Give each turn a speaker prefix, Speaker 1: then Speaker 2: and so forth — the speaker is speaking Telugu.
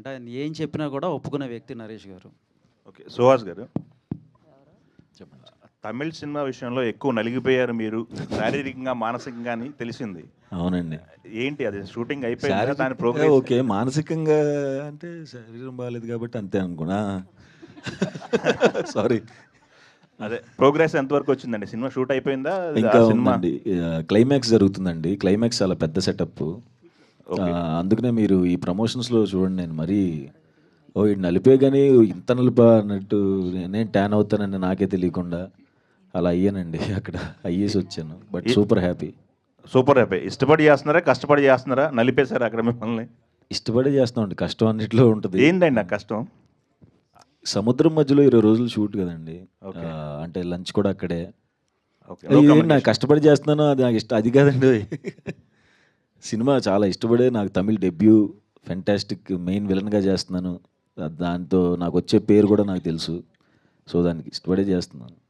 Speaker 1: ఆయన ఏం చెప్పినా కూడా ఒప్పుకునే వ్యక్తి నరేష్ గారు.
Speaker 2: ఓకే, సుహాస్ గారు,
Speaker 1: చెప్పండి.
Speaker 2: తమిళ్ సినిమా విషయంలో ఎక్కువ నలిగిపోయారు మీరు, శారీరకంగా మానసికంగా అని తెలిసింది.
Speaker 3: అవునండి.
Speaker 2: ఏంటి అది షూటింగ్ అయిపోయిందా, దాని ప్రోగ్రెస్?
Speaker 3: ఓకే, మానసికంగా అంటే శరీరం బాగాలేదు కాబట్టి అంతే అనుకున్నా. సారీ.
Speaker 2: అదే ప్రోగ్రెస్ ఎంతవరకు వచ్చిందండి? సినిమా షూట్ అయిపోయిందా?
Speaker 3: ఇంకా
Speaker 2: సినిమా
Speaker 3: ఉందండి, క్లైమాక్స్ జరుగుతుందండి. క్లైమాక్స్ చాలా పెద్ద సెటప్. అందుకనే మీరు ఈ ప్రమోషన్స్లో చూడండి, నేను మరీ ఇది నలిపే కానీ ఇంత నలిపా అన్నట్టు నేను ట్యాన్ అవుతానని నాకే తెలియకుండా అలా అయ్యానండి. అక్కడ అయ్యేసి వచ్చాను. But super happy.
Speaker 2: Super happy. ఇష్టపడి చేస్తున్నారా, కష్టపడి చేస్తున్నారా? నలిపేశారా అక్కడ మిమ్మల్ని?
Speaker 3: ఇష్టపడే చేస్తామండి, కష్టం అన్నిట్లో ఉంటుంది.
Speaker 2: ఏంటండి ఆ కష్టం?
Speaker 3: సముద్రం మధ్యలో 20 రోజులు షూట్ కదండి. అంటే లంచ్ కూడా అక్కడే. నాకు కష్టపడి చేస్తున్నాను, అది నాకు ఇష్టం అది కాదండి. సినిమా చాలా ఇష్టపడే, నాకు తమిళ్ డెబ్యూ, ఫెంటాస్టిక్ మెయిన్ విలన్గా చేస్తున్నాను. దాంతో నాకు వచ్చే పేరు కూడా నాకు తెలుసు. సో దానికి ఇష్టపడే చేస్తున్నాను.